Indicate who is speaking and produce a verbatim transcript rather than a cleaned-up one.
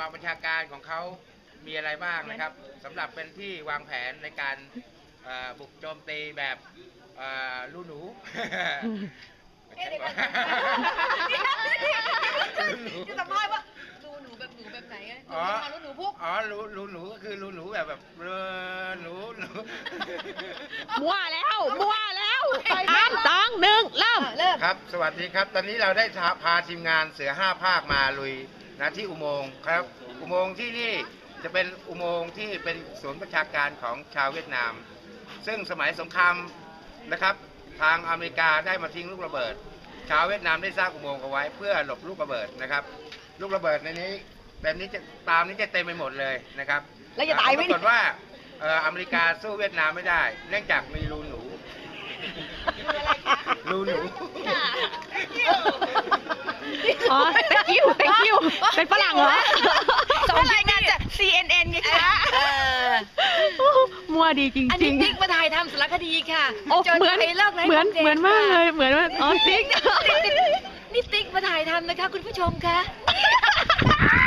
Speaker 1: องบัญชาการของเขามีอะไรบ้างนะครับสำหรับเป็นที่วางแผนในการบุกโจมตีแบบลูหนู
Speaker 2: จะสัมภาษณ์ว่าลูหนูแบบหนูแบบไหนอ่ะอ๋อลูหนูพวก
Speaker 1: อ๋อลูลูหนูก็คือลูหนูแบบแบบเออหนูหนู
Speaker 3: มั่วแล้วมั่วแล้วสามสองหนึ่งเริ่มเริ่ม
Speaker 1: ครับสวัสดีครับตอนนี้เราได้พาทีมงานเสือห้าภาคมาลุยนะที่อุโมงค์ครับอุโมงค์ที่นี่จะเป็นอุโมงค์ที่เป็นศูนย์ประชาการของชาวเวียดนามซึ่งสมัยสงครามนะครับทางอเมริกาได้มาทิ้งลูกระเบิดชาวเวียดนามได้สร้างอุโมงค์เอาไว้เพื่อหลบลูกระเบิดนะครับลูกระเบิดในนี้แบบนี้จะตามนี้จะเต็มไปหมดเลยนะครับ
Speaker 3: แล้วจะตายไหม
Speaker 1: ปรากฏว่าอเมริกาสู้เวียดนามไม่ได้เนื่องจากมีรูหนูรูหนู
Speaker 3: อ๋อ thank you thank you เป็นฝรั่งเหรอ
Speaker 2: ส่งรายงานจาก ซี เอ็น เอ็น ไงคะ
Speaker 3: มั่วดีจริงๆอันนี้
Speaker 2: ติ๊กมาถ่ายทำสารคดีค่ะ
Speaker 3: เหมือนเหมือนเหมือนมากเลยเหมือนว่าอ๋อติ๊ก
Speaker 2: นี่ติ๊กมาถ่ายทำนะคะคุณผู้ชมคะ